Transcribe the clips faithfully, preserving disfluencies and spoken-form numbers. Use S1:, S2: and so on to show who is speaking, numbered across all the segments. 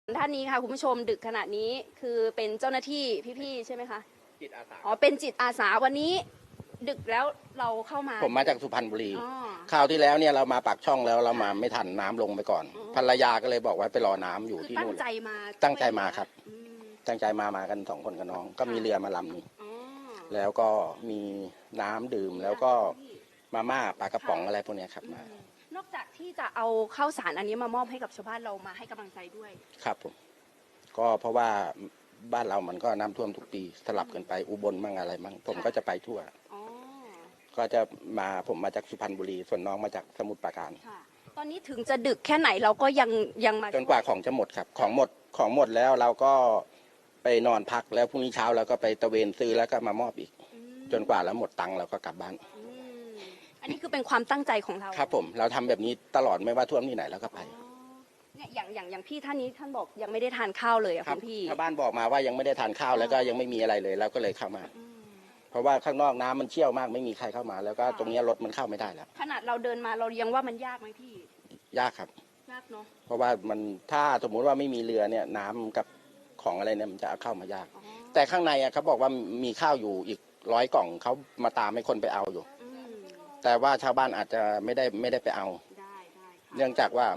S1: ท่านนี้ค่ะคุณผู้ชมดึกขณะนี้คือเป็นเจ้าหน้าที่พี่ๆใช่ไหมคะ
S2: จิตอาสา
S1: อ๋อเป็นจิตอาสาวันนี้ดึกแล้วเราเข้ามา
S2: ผมมาจากสุพรรณบุรี
S1: อ๋อ
S2: คราวที่แล้วเนี่ยเรามาปากช่องแล้วเรามาไม่ทันน้ำลงไปก่อนภรรยาก็เลยบอกว่าไปรอน้ำอยู่ที่นู่น
S1: ตั้งใจมา
S2: ตั้งใจมาครับ
S1: อืม
S2: ตั้งใจมามากันสองคนกับน้องก็มีเรือมาลำนึง
S1: อ๋อ
S2: แล้วก็มีน้ำดื่มแล้วก็มาม่าปลากระป๋องอะไรพวกเนี้ยครับมาน
S1: อกจากที่จะเอาข้าวสารอันนี้มามอบให้กับชาวบ้านเรามาให้กำลังใจด้วย
S2: ครับผมก็เพราะว่าบ้านเรามันก็น้ำท่วมทุกปีสลับกันไปอุบลมั่งอะไรมั่งผมก็จะไปทั่วก็จะมาผมมาจากสุพรรณบุรีส่วนน้องมาจากสมุทรปราการ
S1: ตอนนี้ถึงจะดึกแค่ไหนเราก็ยังยังมา
S2: จนกว่าของจะหมดครับของหมดของหมดแล้วเราก็ไปนอนพักแล้วพรุ่งนี้เช้าเราก็ไปตะเวนซื้อแล้วก็มามอบอีกจนกว่าแล้วหมดตังค์เราก็กลับบ้าน
S1: อันนี้คือเป็นความตั้งใจของเรา
S2: ครับผมเราทำแบบนี้ตลอดไม่ว่าท่วมที่ไหนเราก็ไป
S1: เนี่ยอย่างอย่างอย่างพี่ท่านนี้ท่านบอกยังไม่ได้ทานข้าวเลยอะคุณพี่
S2: ชาวบ้านบอกมาว่ายังไม่ได้ทานข้าวแล้วก็ยังไม่มีอะไรเลยแล้วก็เลยเข้ามาเพราะว่าข้างนอกน้ำมันเชี่ยวมากไม่มีใครเข้ามาแล้วก็ตรงนี้รถมันเข้าไม่ได้แล้ว
S1: ขนาดเราเดินมาเรายังว่ามันยากไหมพี่
S2: ยากครับ
S1: ยากเนาะ
S2: เพราะว่ามันถ้าสมมุติว่าไม่มีเรือเนี่ยน้ำกับของอะไรเนี่ยมันจะเข้ามายากแต่ข้างในอะเขาบอกว่ามีข้าวอยู่อีกร้อยกล่องเขามาตามให้คนไปเอาอยู่แต่ว่าชาวบ้านอาจจะไม่ได้ไม่ได้ไปเอาเนื่องจากว่า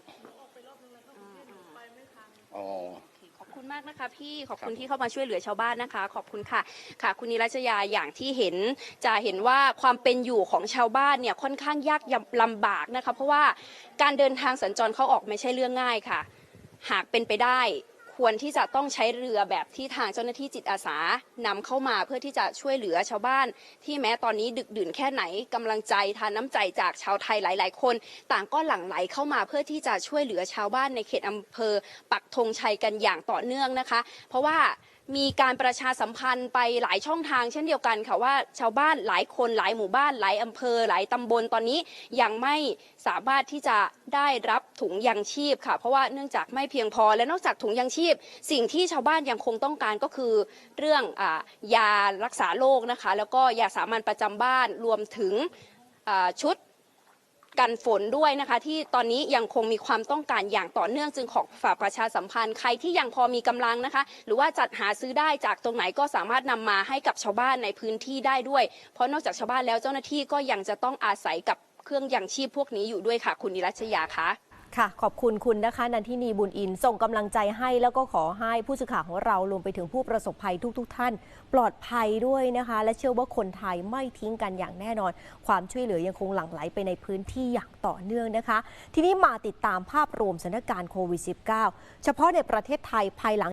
S2: อ๋อ
S1: ขอบคุณมากนะคะพี่ขอบคุณที่เข้ามาช่วยเหลือชาวบ้านนะคะขอบคุณค่ะค่ะคุณนิรัชยาอย่างที่เห็นจะเห็นว่าความเป็นอยู่ของชาวบ้านเนี่ยค่อนข้างยากลำบากนะคะเพราะว่าการเดินทางสัญจรเข้าออกไม่ใช่เรื่องง่ายค่ะหากเป็นไปได้ควรที่จะต้องใช้เรือแบบที่ทางเจ้าหน้าที่จิตอาสานำเข้ามาเพื่อที่จะช่วยเหลือชาวบ้านที่แม้ตอนนี้ดึกดื่นแค่ไหนกำลังใจทานน้ำใจจากชาวไทยหลายๆคนต่างก็หลั่งไหลเข้ามาเพื่อที่จะช่วยเหลือชาวบ้านในเขตอำเภอปักธงชัยกันอย่างต่อเนื่องนะคะเพราะว่ามีการประชาสัมพันธ์ไปหลายช่องทางเช่นเดียวกันค่ะว่าชาวบ้านหลายคนหลายหมู่บ้านหลายอำเภอหลายตำบลตอนนี้ยังไม่สามารถที่จะได้รับถุงยังชีพค่ะเพราะว่าเนื่องจากไม่เพียงพอและนอกจากถุงยังชีพสิ่งที่ชาวบ้านยังคงต้องการก็คือเรื่องอ่ายารักษาโรคนะคะแล้วก็ยาสามัญประจำบ้านรวมถึงชุดกันฝนด้วยนะคะที่ตอนนี้ยังคงมีความต้องการอย่างต่อเนื่องจึงขอฝากประชาสัมพันธ์ใครที่ยังพอมีกำลังนะคะหรือว่าจัดหาซื้อได้จากตรงไหนก็สามารถนำมาให้กับชาวบ้านในพื้นที่ได้ด้วยเพราะนอกจากชาวบ้านแล้วเจ้าหน้าที่ก็ยังจะต้องอาศัยกับเครื่องยังชีพพวกนี้อยู่ด้วยค่ะคุณนิรัชยาคะ
S3: ค่ะขอบคุณคุณนะคะนันทินีบุญอินส่งกำลังใจให้แล้วก็ขอให้ผู้สื่อข่าวของเรารวมไปถึงผู้ประสบภัยทุกๆ ท, ท่านปลอดภัยด้วยนะคะและเชื่อว่าคนไทยไม่ทิ้งกันอย่างแน่นอนความช่วยเหลือยังคงหลั่งไหลไปในพื้นที่อย่างต่อเนื่องนะคะทีนี้มาติดตามภาพรวมสถานการณ์โควิด สิบเก้า เฉพาะในประเทศไทยภายหลัง